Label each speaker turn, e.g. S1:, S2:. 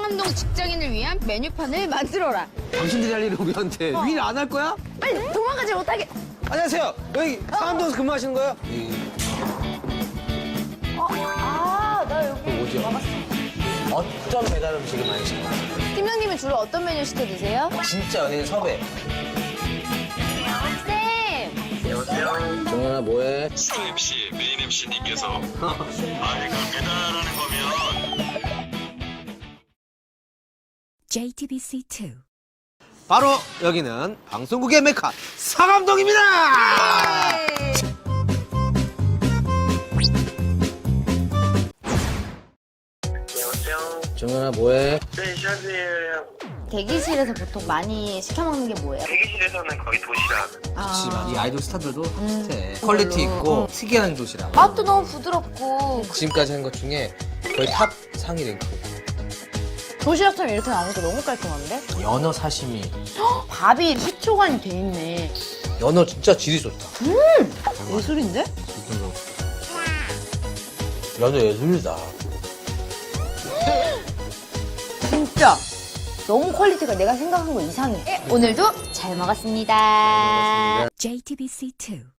S1: 상암동 직장인을 위한 메뉴판을 만들어라.
S2: 당신들이 할 일을 우리한테 일 안 할 거야?
S1: 빨리 도망가지 못하게.
S2: 안녕하세요. 여기 상암동에서 근무하시는 거예요?
S1: 나 여기
S2: 뭐죠? 어떤 배달 음식을 많이 시켜요?
S1: 팀장님은 주로 어떤 메뉴 시켜 드세요?
S2: 진짜 연예인 섭외.
S1: 쌤!
S2: 정연아 뭐해?
S3: 수상 MC, 메인 MC님께서 아니 그 배달하는 거면
S4: JTBC2
S2: 바로 여기는 방송국의 메카 상암동입니다.
S3: 안녕하세요.
S2: 정연아 뭐해?
S3: 네, 샤즈예요.
S1: 대기실에서 보통 많이 시켜 먹는 게 뭐예요?
S3: 대기실에서는 거의 도시락.
S2: 그렇지만 이 아이돌 스타들도 비슷해. 퀄리티 있고 특이한 도시락.
S1: 맛도 너무 부드럽고
S2: 지금까지 한 것 중에 거의 탑 상위 랭크.
S1: 도시락처럼 이렇게 나오니까 너무 깔끔한데?
S2: 연어 사시미.
S1: 밥이 식초간이 돼 있네.
S2: 연어 진짜 질이 좋다.
S1: 예술인데?
S2: 연어 예술이다.
S1: 진짜 너무 퀄리티가 내가 생각한 거 이상해. 오늘도 잘 먹었습니다.
S4: JTBC2